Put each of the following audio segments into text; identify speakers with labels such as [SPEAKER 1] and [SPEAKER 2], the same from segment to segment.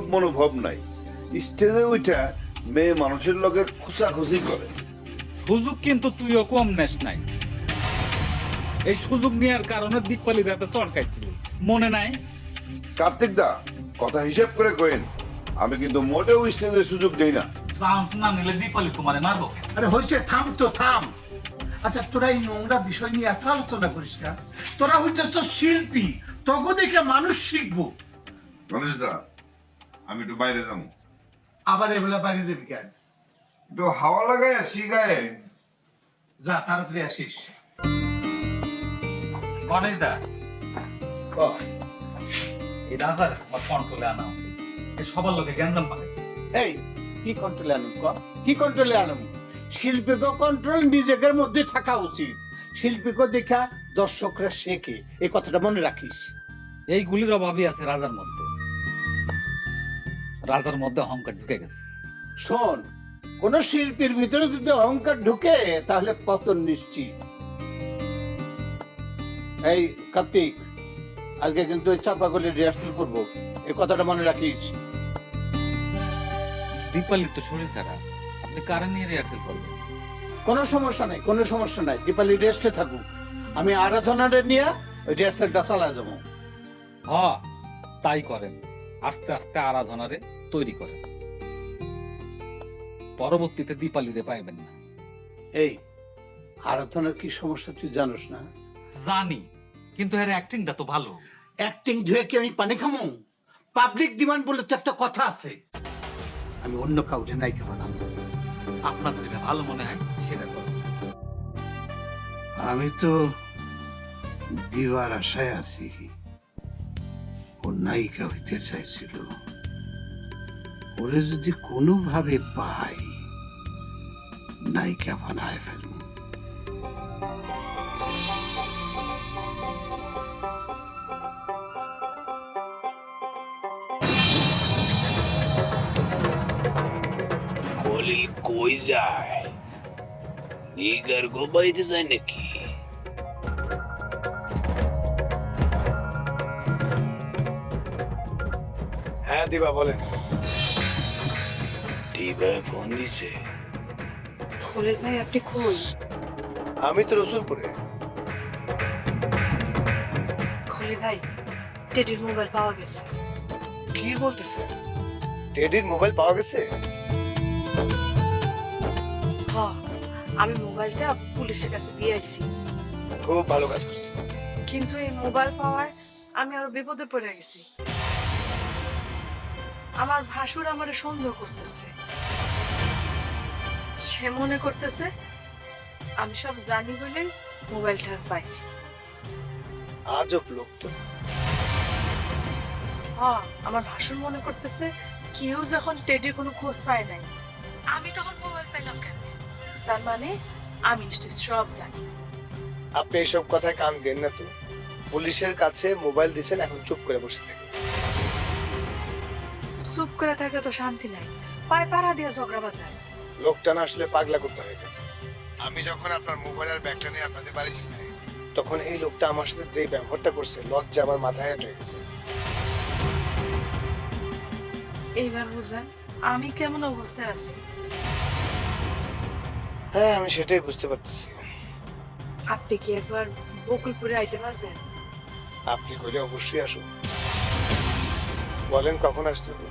[SPEAKER 1] মনোভাব নাই, স্টেজে উঠা মেয়ে মানুষের লগে খুশাখুশি করে।
[SPEAKER 2] সুযোগ কিন্তু তুইও কম নেস নাই। এই সুযোগ নেওয়ার কারণে দীপালি রাতে চড়কাইছিল, মনে নাই?
[SPEAKER 1] কার্তিক দা, কথা হিসেব করে কইন, আমি কিন্তু মোটেও স্টেজের সুযোগ দেই না।
[SPEAKER 2] চান্স না নিলে দীপালি তোমারে মারবো।
[SPEAKER 3] আরে হয়েছে, থাম তো থাম। আচ্ছা, তোরা এই নোংরা বিষয় নিয়ে এত আলোচনা করিস না। তোরা হইতেছ শিল্পী, তখন দেখে মানুষ শিখবো।
[SPEAKER 1] গণেশ দা, আমি একটু বাইরে যাবো।
[SPEAKER 3] আবার এবেলা বাইরে দেবি কেন?
[SPEAKER 1] একটু হাওয়া লাগাই আসি গায়ে।
[SPEAKER 3] যা, তাড়াতাড়ি আসিস।
[SPEAKER 2] গণেশ দা,
[SPEAKER 3] কহ।
[SPEAKER 2] এই রাজার আমার কন্ট্রোলে আনা উচিত। এই সবার লোকে জ্ঞানদাম পাবে।
[SPEAKER 3] এই, কি কন্ট্রোলে আনুম? কি কন্ট্রোলে আনুম? শিল্পীকে কন্ট্রোল নিজেদের মধ্যে থাকা উচিত। শিল্পীকে দেখা দর্শকরা শেখে, এই কথাটা মনে রাখিস।
[SPEAKER 2] এইগুলির অভাবই আছে রাজার মধ্যে। রাজার মধ্যে অহংকার ঢুকে গেছে।
[SPEAKER 3] শোন, কোন শিল্পীর ভিতরে যদি অহংকার ঢুকে তাহলে পতন নিশ্চিত। এই কার্তিক, আজকে কিন্তু ওই চাপাগুলি রিহার্সাল করবো, এই কথাটা মনে রাখিস।
[SPEAKER 2] দীপালির তো শরীর খারাপ, আপনি কারে নিয়ে রিহার্সেল করবেন?
[SPEAKER 3] কোনো সমস্যা নাই, কোনো সমস্যা নাই। দীপালি রেস্টে থাকুক, আমি আরাধনারে নিয়ে ওই রিহার্সালটা চালা যাবো।
[SPEAKER 2] হ, তাই করেন। আস্তে আস্তে আরাধনারে তৈরি করেন, পরবর্তীতে দীপালিরে পাইবেন না।
[SPEAKER 3] এই আরাধনার কি সমস্যা তুই জানোস না?
[SPEAKER 2] জানি, কিন্তু এর অ্যাক্টিংটা তো ভালো।
[SPEAKER 3] অ্যাক্টিং ধুয়ে কি আমি পানি খামো? পাবলিক ডিমান্ড বলে তো একটা কথা আছে। আমি অন্য কাউকে নাই খাওয়ালাম।
[SPEAKER 2] আপনার যেটা ভালো মনে হয় সেটা করুন।
[SPEAKER 3] আমি তো দিবার আশায় আছি। ও নায়িকা হইতে চাইছিল, ওরে যদি কোনোভাবে পাই নায়িকা বানায় ফেলব।
[SPEAKER 4] খলিল কই যায়? নিগার গো বাড়িতে যায় নাকি?
[SPEAKER 3] হ্যাঁ দিবা, বলেন।
[SPEAKER 4] দিবা ফোন দিছে?
[SPEAKER 5] খলিল ভাই, আপনি কই?
[SPEAKER 3] আমি তো রসুলপুরে।
[SPEAKER 5] খলিল ভাই, টেডির মোবাইল পাওয়া গেছে।
[SPEAKER 3] কি বলতেছে? টেডির মোবাইল পাওয়া গেছে?
[SPEAKER 5] হ, আমি মোবাইলটা পুলিশের কাছে দিয়ে আইছি।
[SPEAKER 3] খুব ভালো কাজ করছে।
[SPEAKER 5] কিন্তু এই মোবাইল পাওয়ার আমি আরো বিপদে পড়ে গেছি। আমার ভাসুর আমারে সন্দেহ করতেছে। সে মনে করতেছে আমি সব জানি বলে মোবাইলটা পাইছি।
[SPEAKER 3] আজব লোক তো।
[SPEAKER 5] হ্যাঁ, আমার ভাসুর মনে করতেছে কেউ যখন টেডির কোনো খোঁজ পায় নাই, আমি তখন মোবাইল পেলাম কেন? তার মানে আমি নিশ্চয় সব জানি।
[SPEAKER 6] আপনি এইসব কথায় কান দেন না তো। পুলিশের কাছে মোবাইল দিচ্ছেন, এখন চুপ করে বসে থাকেন।
[SPEAKER 5] চুপ করে থাকলে তো শান্তি নাই, পায়ে পাড়া দিয়ে ঝগড়া বাঁধায়।
[SPEAKER 6] লোকটা না আসলে পাগলা করতে হয়ে গেছে। আমি যখন আপনার মোবাইল আর ব্যাগটা নিয়ে আপনাদের বাড়িতে যাই, তখন এই লোকটা আমার সাথে যে ব্যবহারটা করছে, লজ্জা আমার মাথায় হেঁটে গেছে।
[SPEAKER 5] এইবার বুঝেন আমি কেমন অবস্থায় আছি।
[SPEAKER 6] হ্যাঁ, আমি সেটাই বুঝতে পারতেছি।
[SPEAKER 5] আপনি কি একবার বকুলপুরে আইতে পারবেন?
[SPEAKER 6] আপনি কইলে অবশ্যই আসুন। বলেন কখন আসতে হবে?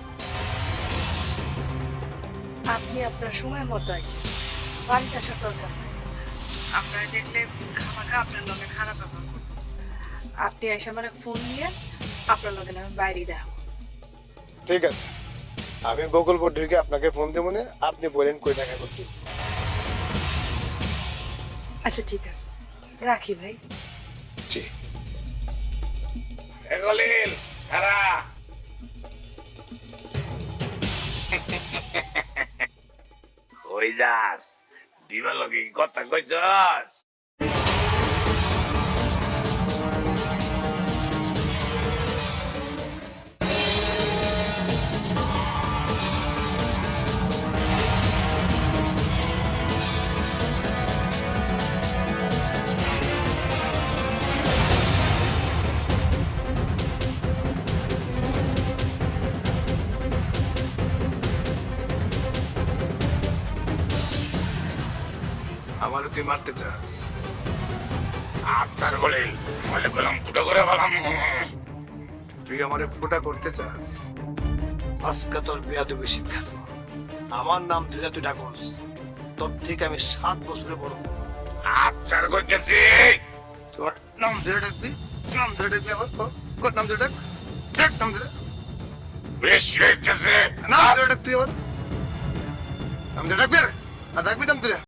[SPEAKER 5] আপনি আপনার সময় মতো আসেন, বাড়িতে আসার দরকার নাই। আপনারা দেখলে খামাখা আপনার লগে খারাপ ব্যবহার করবো। আপনি এসে আমার ফোন নিয়ে আপনার লগে আমি বাইরে দেখাবো।
[SPEAKER 6] ঠিক আছে, আমি বকুলপুর ঢুকে আপনাকে ফোন দেবো না, আপনি বলেন কই দেখা করতে।
[SPEAKER 5] আচ্ছা ঠিক আছে, রাখি ভাই।
[SPEAKER 6] জি।
[SPEAKER 4] খলিল খারা কই যাস? দিবা লগে কথা কইছস?
[SPEAKER 6] আমারে তুই মারতে চাস?
[SPEAKER 4] আচ্ছা বলে বলে বললাম ফুটো করে বললাম
[SPEAKER 6] তুই আমারে ফোটা করতে চাস? আজকে তোর বেয়াদবি শিক্ষা দেব। আমার নাম দিলে তুই ডাকস, তোর থেকে আমি 7 বছরে বড়।
[SPEAKER 4] আচ্ছা করতেছি
[SPEAKER 6] তোর নাম ধরে ডাকবি? নাম ধরে ডাকবি আমার? কর নাম ধরে ডাক। ডাক নাম ধরে।
[SPEAKER 4] বেশি হইতেছে
[SPEAKER 6] নাম ধরে ডাক তুই আমার। নাম ধরে ডাকবি? আর ডাকবি নাম ধরে?